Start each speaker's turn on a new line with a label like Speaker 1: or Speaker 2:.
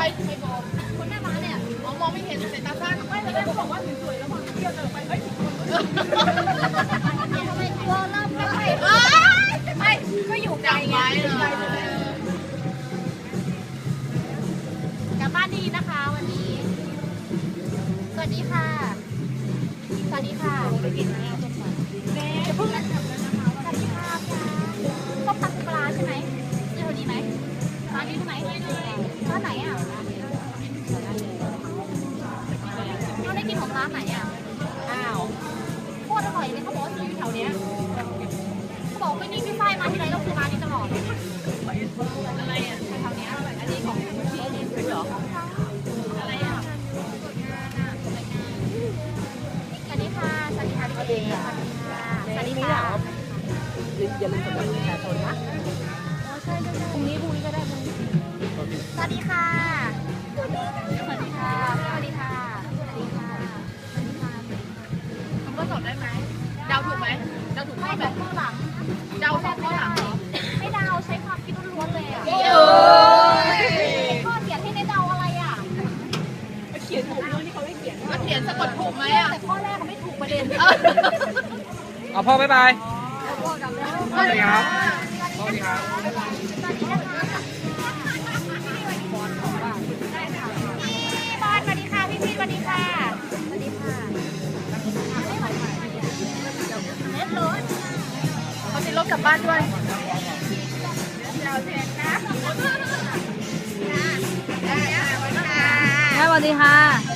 Speaker 1: ใครบอกคนแม่มาเนี่ยมองไม่เห็นสายตาสั้นไม่เลยเขาบอกว่าสวยๆแล้วมองเที่ยวเดินไปเฮ้ยทำไมกลัวล่ำไม่ก็อยู่ไกลไงกลับบ้านดีนะคะวันนี้สวัสดีค่ะสวัสดีค่ะไปกินข้าวต้มตำแม่จะพึ่งนะสวัสดีค่ะต้มตำปลาใช่ไหมเจอดีไหมร้านนี้ใช่ไหมร้านไหนอ่ะเราได้กินของร้านไหนอ่ะอ้าวโคตรอร่อยเลยเขาบอกว่าอยู่แถวเนี้ยเขาบอกไม่นี่พี่ฝ้ายมาที่ไรเราคือร้านนี้ตลอดอะไรอ่ะแถวเนี้ยอันนี้ของพี่เหรออะไรอ่ะสวัสดีค่ะสวัสดีค่ะพี่เอ๋สวัสดีค่ะอย่าลืมสมัครประชาชนนะใช่พรุ่งนี้ก็ได้สวัสดีค่ะสวัสดีค่ะสวัสดีค่ะสวัสดีค่ะทำข้อสอบได้ไหมเดาถูกไหมเดาถูกข้อแบบข้อหลังเดาสองข้อหลังไม่เดาใช้ความคิดล้วนๆเลยอ่ะข้อเขียนให้ในเดาอะไรอ่ะเขียนถูกด้วยที่เขาไม่เขียนก็เขียนสะกดถูกไหมอ่ะแต่ข้อแรกเขาไม่ถูกประเด็น
Speaker 2: เอาพ่อบ๊ายบาย
Speaker 1: สวัสดีครับ
Speaker 2: สวัสดีครับ
Speaker 1: สวัสดีนะคะพี่บอลสวัสดีค่ะพี่สวัสดีค่ะสวัสดีค่ะเล็ดรถเขาติดรถกลับบ้านด้วยเราแทนนะสวัสดีค่ะ
Speaker 3: สวัสดีค่ะ